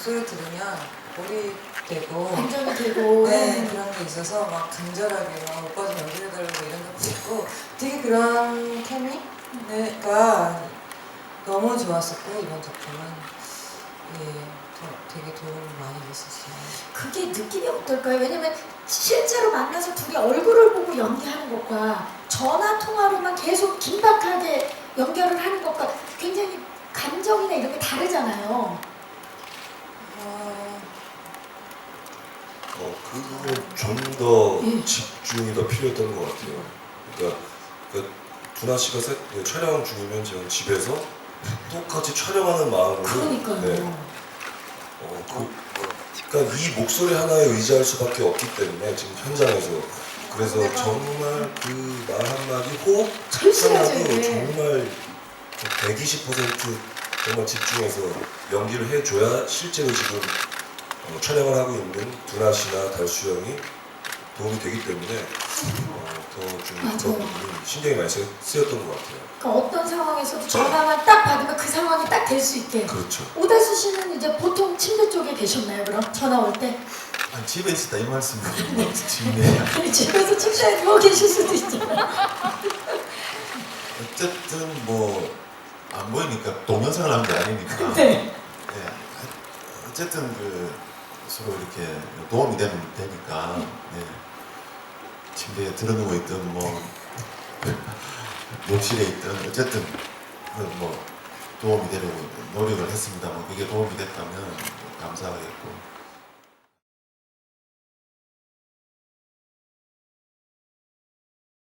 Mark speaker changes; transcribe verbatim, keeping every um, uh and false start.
Speaker 1: 목소리 들으면 몰입되고
Speaker 2: 감정이 되고
Speaker 1: 네, 그런 게 있어서 막 간절하게 막 오빠 좀 연기해달라고 이런 것도 있고 되게 그런 케미가 너무 좋았었고 이번 작품은 예, 더, 되게 도움이 많이 됐었어요.
Speaker 2: 그게 느낌이 어떨까요? 왜냐면 실제로 만나서 둘이 얼굴을 보고 연기하는 것과 전화 통화로만 계속 긴박하게 연결을 하는 것과 굉장히 감정이나 이런 게 다르잖아요.
Speaker 1: 어,
Speaker 3: 어, 그거는 좀 더
Speaker 2: 예.
Speaker 3: 집중이 더 필요했던 것 같아요. 그러니까, 그러니까 두나 씨가 세, 그 촬영 중이면 제가 집에서 똑같이 촬영하는 마음으로
Speaker 2: 그러니까요.
Speaker 3: 네. 어, 그, 그러니까 이 목소리 하나에 의지할 수밖에 없기 때문에 지금 현장에서 그래서 정말 그 말 한마디 호흡
Speaker 2: 절실하죠,
Speaker 3: 하나도
Speaker 2: 이게.
Speaker 3: 정말 백이십 퍼센트 정말 집중해서 연기를 해줘야 실제로 지금 어, 촬영을 하고 있는 두나 씨나 달수 형이 도움이 되기 때문에 어, 더좀
Speaker 2: 맞아요.
Speaker 3: 그런 부분이 신경이 많이 쓰- 쓰였던 것 같아요.
Speaker 2: 그러니까 어떤 상황에서도 전화만 딱 받으면 그 상황이 딱 될 수 있게.
Speaker 3: 그렇죠.
Speaker 2: 오달수 씨는 이제 보통 침대 쪽에 계셨나요, 그럼? 전화 올 때?
Speaker 4: 아니, 집에 있었다 이 말씀이에요. 집에.
Speaker 2: 아니, 집에서 침대에 누워 계실 수도 있잖아요.
Speaker 4: 어쨌든 뭐 안 보이니까 동영상을 한 게 아니니까.
Speaker 2: 네.
Speaker 4: 네. 어쨌든 그 서로 이렇게 도움이 되면 되니까. 네. 침대에 들어누워 있든 뭐 욕실에 있든 어쨌든 그뭐 도움이 되려고 노력을 했습니다. 뭐 그게 도움이 됐다면 감사하겠고.